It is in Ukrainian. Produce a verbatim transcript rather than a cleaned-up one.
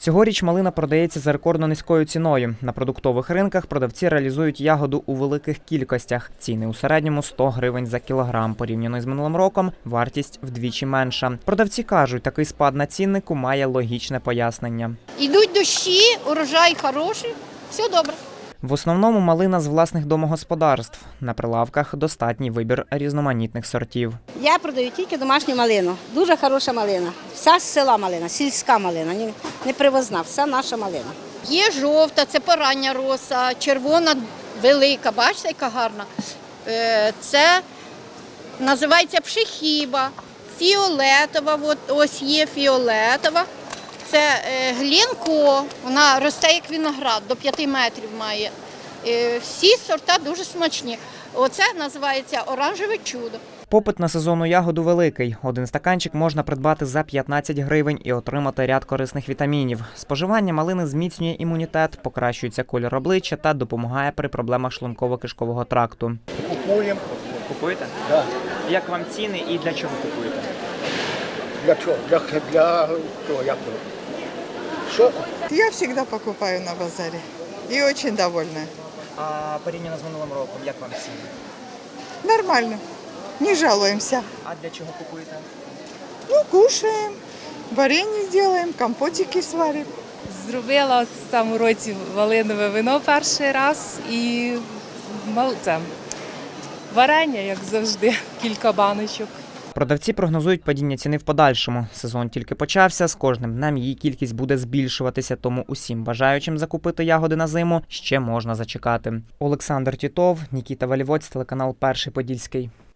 Цьогоріч малина продається за рекордно низькою ціною. На продуктових ринках продавці реалізують ягоду у великих кількостях. Ціни у середньому сто гривень за кілограм. Порівняно з минулим роком вартість вдвічі менша. Продавці кажуть, такий спад на ціннику має логічне пояснення. Йдуть дощі, урожай хороший, все добре. В основному малина з власних домогосподарств. На прилавках достатній вибір різноманітних сортів. Я продаю тільки домашню малину. Дуже хороша малина. Вся з села малина, сільська малина, не, не привозна, вся наша малина. Є жовта, це порання роса, червона велика, бачите, яка гарна. Е, Це називається пшехіба, фіолетова, от ось є фіолетова. Це е, глінко, вона росте як виноград, до п'яти метрів має. Е, Всі сорта дуже смачні. Оце називається оранжеве чудо. Попит на сезонну ягоду великий. Один стаканчик можна придбати за п'ятнадцять гривень і отримати ряд корисних вітамінів. Споживання малини зміцнює імунітет, покращується колір обличчя та допомагає при проблемах шлунково-кишкового тракту. Купуємо. Купуєте? Да. Як вам ціни і для чого купуєте? Для чого? Для, для чого? Як воно? Соку. Я всегда покупаю на базаре и очень довольна. А порівняно з минулим роком, як вам ціни? Нормально, не жалуемся. А для чого купуєте? Ну, кушаем, варенье делаем, компотики сварим. Зробила в цьому році малинове вино перший раз і мал- це, варення, як завжди, кілька баночок. Продавці прогнозують падіння ціни в подальшому. Сезон тільки почався, з кожним днем її кількість буде збільшуватися, тому усім бажаючим закупити ягоди на зиму ще можна зачекати. Олександр Тітов, Нікіта Валівоць, телеканал Перший Подільський.